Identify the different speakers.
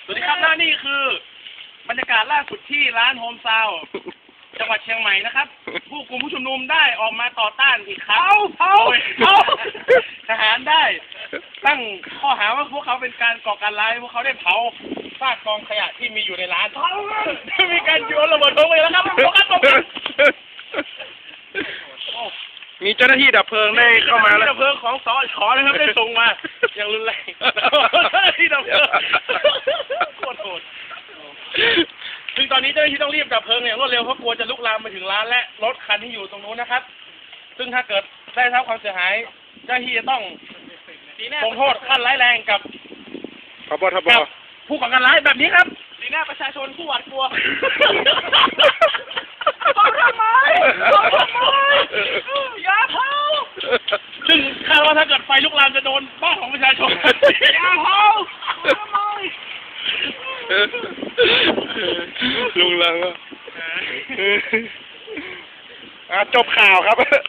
Speaker 1: วัสดีครับและนี่คือบรรยากาศล่าสุดที่ร้านโฮมซาวด์จังหวัดเชียงใหม่นะครับผู้กลุ่มผู้ชุมนุมได้ออกมาต่อต้านอีกครั้งทหารได้ตั้งข้อหาว่าพวกเขาเป็นการก่อการร้ายพวกเขาได้เผาซากกองขยะที่มีอยู่ในร้านมีการโยนระเบิดลงไปแล้วครับ
Speaker 2: มีเจ้าหน้าที่ดับเพลิงได้เข้ามาแล้ว
Speaker 1: ดับเพลิงของสช.นะครับได้ส่งมาอย่างรุนแรงที่ดับเพลิงโคตรโหดซึ่งตอนนี้เจ้าหน้าที่ต้องรีบดับเพลิงอย่างรวดเร็วเพราะกลัวจะลุกลามไปถึงร้านและรถคันที่อยู่ตรงนู้นนะครับซึ่งถ้าเกิดได้รับความเสียหายเจ้าหน้าที่จะต้องลงโทษขั้นร้ายแรงกับผู้ก่อการร้ายแบบนี้ครับสีหน้าประชาชนผู้หวาดกลัวทำไมอย่าเผาซึ่งคาดว่าถ้าเกิดไฟลุกลามจะโดนบ้านของประชาชนอย่าเผาทำไม
Speaker 2: ลุงลังจบข่าวครับ